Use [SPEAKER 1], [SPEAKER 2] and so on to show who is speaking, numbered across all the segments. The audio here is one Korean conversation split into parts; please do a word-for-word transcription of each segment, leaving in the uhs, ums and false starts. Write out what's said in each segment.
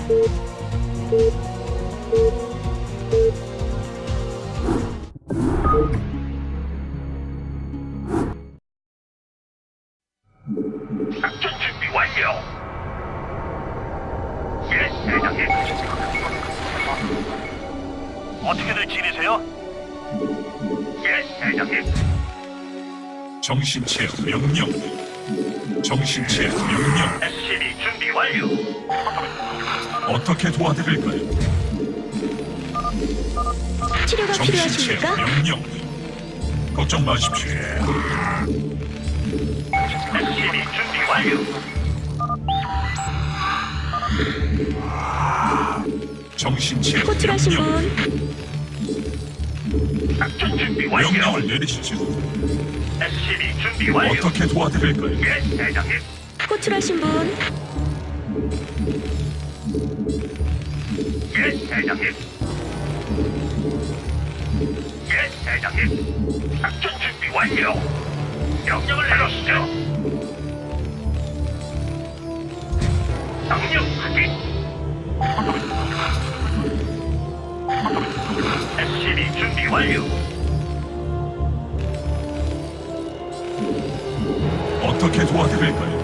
[SPEAKER 1] 작전 준비 완료. 예, 대장님. 어떻게들 지내세요? 예, 대장님.
[SPEAKER 2] 정신체 명령. 정신체 명령.
[SPEAKER 1] 에스씨비 준비 완료.
[SPEAKER 2] 어떻게 도와드릴까요?
[SPEAKER 3] 치료가
[SPEAKER 2] 정신체
[SPEAKER 3] 필요하십니까?
[SPEAKER 2] 명령. 걱정 마십시오.
[SPEAKER 1] 에스씨비 준비 완료.
[SPEAKER 2] 정신체
[SPEAKER 3] 호출하신
[SPEAKER 2] 명령.
[SPEAKER 3] 분
[SPEAKER 1] 작전 준비 완료.
[SPEAKER 2] 명령을 내리시죠.
[SPEAKER 1] 에스씨비 준비 완료.
[SPEAKER 2] 어떻게 도와드릴까요?
[SPEAKER 1] 예, 대장님.
[SPEAKER 3] 호출하신 분
[SPEAKER 1] 예, 대장님. 예, 대장님. 작전 준비 완료. 명령을 내리시죠. 명령 확인. 에스씨비 준비 완료.
[SPEAKER 2] 어떻게 도와드릴까요?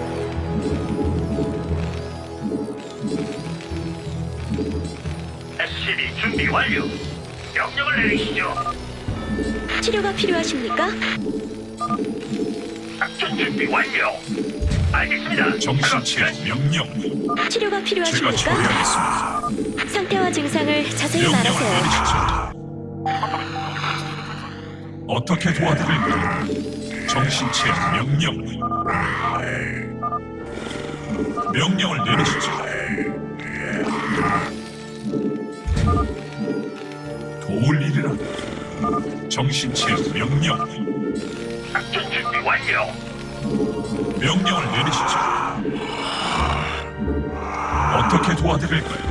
[SPEAKER 1] 에스씨비 준비 완료. 명령을 내리시죠.
[SPEAKER 3] 치료가 필요하십니까?
[SPEAKER 1] 작전 준비 완료. 알겠습니다.
[SPEAKER 2] 정신체
[SPEAKER 1] 작업 끝.
[SPEAKER 2] 명령.
[SPEAKER 3] 치료가
[SPEAKER 2] 제가
[SPEAKER 3] 필요하십니까?
[SPEAKER 2] 처리하겠습니다.
[SPEAKER 3] 상태와 증상을 자세히
[SPEAKER 2] 명령을
[SPEAKER 3] 말하세요.
[SPEAKER 2] 내리시죠. 어떻게 도와드릴까요? 정신체 명령. 명령을 내리시죠. 도울 일이라. 정신체 명령.
[SPEAKER 1] 작전 준비 완료.
[SPEAKER 2] 명령을 내리시죠. 어떻게 도와드릴까요?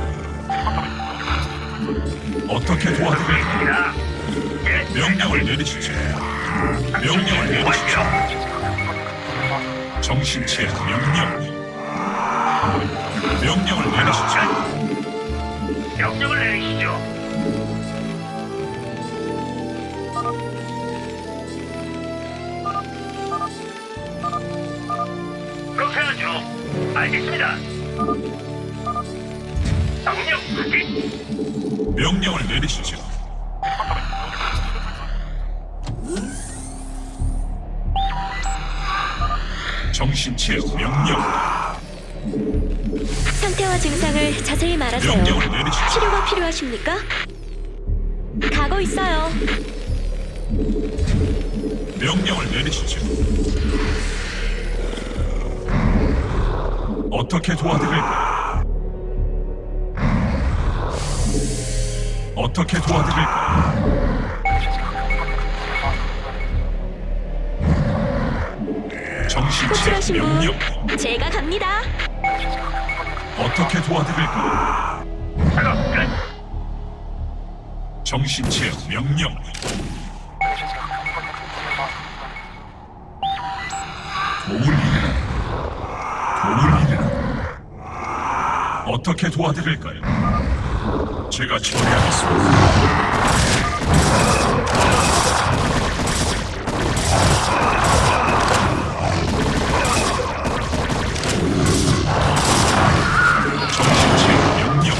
[SPEAKER 2] 어떻게 도와드릴까요?
[SPEAKER 1] 자, 예,
[SPEAKER 2] 명령을 내리시죠. 명령을 내리시죠. 정신체 명령. 명령을 내리시죠.
[SPEAKER 1] 명령을 내리시죠. 그렇게 하죠. 알겠습니다. 명령 확인.
[SPEAKER 2] 명령을 내리시죠. 정신체 명령.
[SPEAKER 3] 상태와 증상을 자세히 말하세요.
[SPEAKER 2] 명령을 내리시죠.
[SPEAKER 3] 치료가 필요하십니까? 가고 있어요.
[SPEAKER 2] 명령을 내리시죠. 어떻게 도와드릴까요? 어떻게 도와드릴까요? 정신체
[SPEAKER 3] 호출하신
[SPEAKER 2] 명령.
[SPEAKER 3] 분 제가 갑니다.
[SPEAKER 2] 어떻게 도와드릴까요?
[SPEAKER 1] 작업 끝.
[SPEAKER 2] 정신체 명령. 도울 일이라. 도울 일이라. 어떻게 도와드릴까요? 제가 처리하겠습니다. 정신체 명령.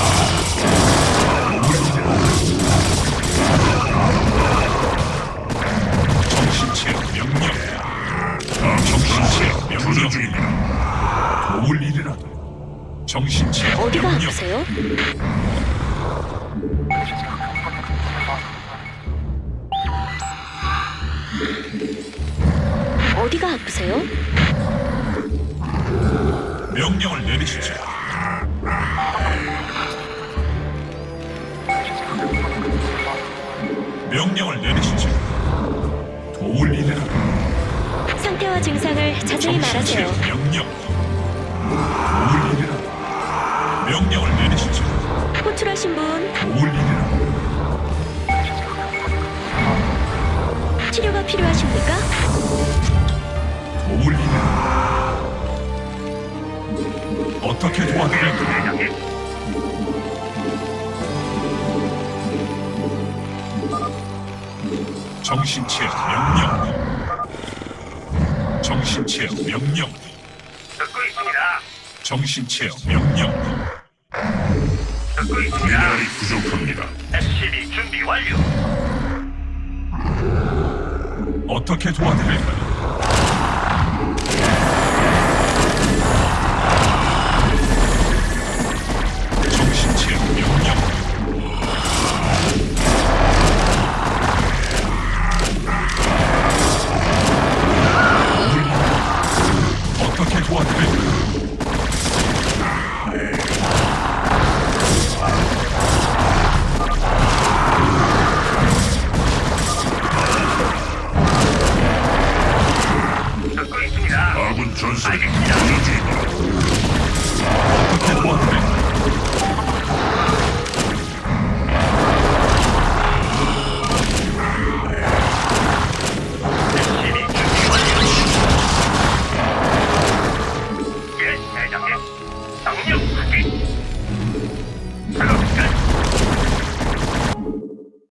[SPEAKER 2] 도울 일이라. 정신체 명령. 정신체 명령 중입니다. 도울 일이라도. 정신체
[SPEAKER 3] 어디가
[SPEAKER 2] 명령.
[SPEAKER 3] 아프세요? 어디가 아프세요?
[SPEAKER 2] 명령을 내리시죠. 명령을 내리시죠. 도울 일이라도.
[SPEAKER 3] 상태와 증상을 자세히
[SPEAKER 2] 정신체
[SPEAKER 3] 말하세요.
[SPEAKER 2] 명령. 도울 일이라도. 명령을 내리시죠.
[SPEAKER 3] 호출하신 분
[SPEAKER 2] 도울 일이라도.
[SPEAKER 3] 치료가 필요하십니까?
[SPEAKER 2] 도울 일이라도. 어떻게 도와드릴까요?
[SPEAKER 1] 대장님.
[SPEAKER 2] 정신체험 명령. 정신체험 명령.
[SPEAKER 1] 듣고 있습니다.
[SPEAKER 2] 정신체험 명령.
[SPEAKER 1] 듣고 있습니다.
[SPEAKER 2] 미네랄이 부족합니다.
[SPEAKER 1] 에스씨비 준비 완료.
[SPEAKER 2] 어떻게 도와드릴까요? 정신체험 명령. 어떻게 도와드릴까요?
[SPEAKER 1] 듣고 있습니다.
[SPEAKER 2] 아군 전술이
[SPEAKER 1] 알겠습니다.
[SPEAKER 2] 어떻게 도와드릴까요?
[SPEAKER 1] 에스씨비 준비 완료. 예, 대장님. 명령 확인. 작업 끝.